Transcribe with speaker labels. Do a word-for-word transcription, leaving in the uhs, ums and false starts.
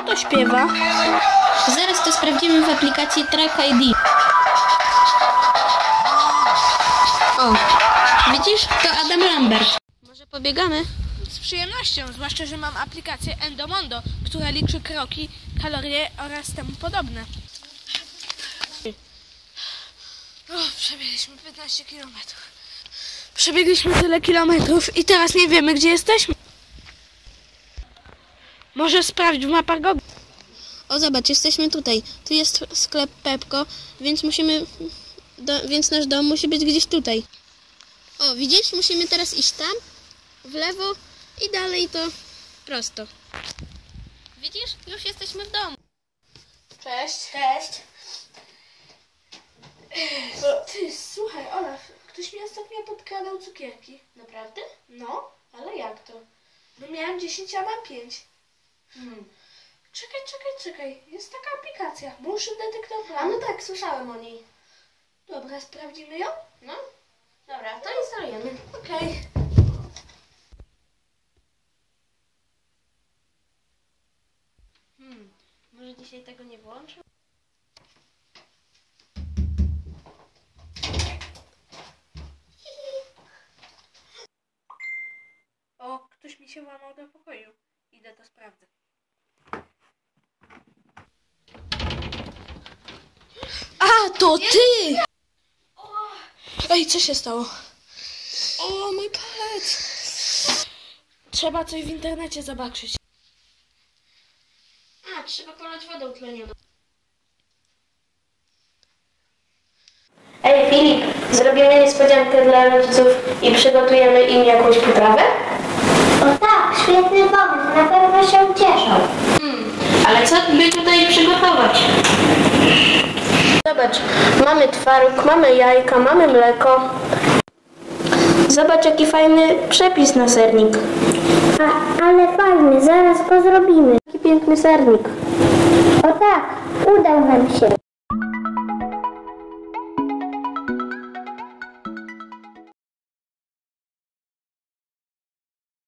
Speaker 1: to śpiewa?
Speaker 2: Zaraz to sprawdzimy w aplikacji Track I D. O, widzisz? To Adam Lambert. Może pobiegamy?
Speaker 1: Z przyjemnością, zwłaszcza, że mam aplikację Endomondo, która liczy kroki, kalorie oraz temu podobne. O, przebiegliśmy piętnaście kilometrów. Przebiegliśmy tyle kilometrów i teraz nie wiemy, gdzie jesteśmy. Może sprawdź w mapach Google.
Speaker 2: O, zobacz, jesteśmy tutaj. Tu jest sklep Pepko, więc musimy... Do, więc nasz dom musi być gdzieś tutaj. O, widzisz? Musimy teraz iść tam, w lewo i dalej to prosto. Widzisz? Już jesteśmy w domu.
Speaker 1: Cześć. Cześć. O, ty, słuchaj, Olaf, ktoś mi ostatnio podkradał cukierki.
Speaker 2: Naprawdę?
Speaker 1: No,
Speaker 2: Ale jak to?
Speaker 1: no miałem dziesięć, a mam pięć.
Speaker 2: Hmm.
Speaker 1: Czekaj, czekaj, czekaj. Jest taka aplikacja. Motion Detector.
Speaker 2: A no tak, słyszałem o niej.
Speaker 1: Dobra, sprawdzimy ją?
Speaker 2: No, dobra, to instalujemy.
Speaker 1: Okej.
Speaker 2: Hmm, może dzisiaj tego nie włączę?
Speaker 1: O, ktoś mi się włamał do pokoju. Idę to sprawdzę. A, to ty! Ej, co się stało? O, mój palec! Trzeba coś w internecie zobaczyć.
Speaker 2: A, trzeba polać wodą tlenioną.
Speaker 3: Ej Filip, zrobimy niespodziankę dla rodziców i przygotujemy im jakąś potrawę?
Speaker 4: O tak, świetny pomysł, na pewno się cieszą.
Speaker 2: Hmm, ale co by tutaj przygotować?
Speaker 3: Zobacz, mamy twaróg, mamy jajka, mamy mleko. Zobacz, jaki fajny przepis na sernik.
Speaker 4: A, ale fajny, zaraz go zrobimy.
Speaker 3: Jaki piękny sernik.
Speaker 4: O tak, udał nam się.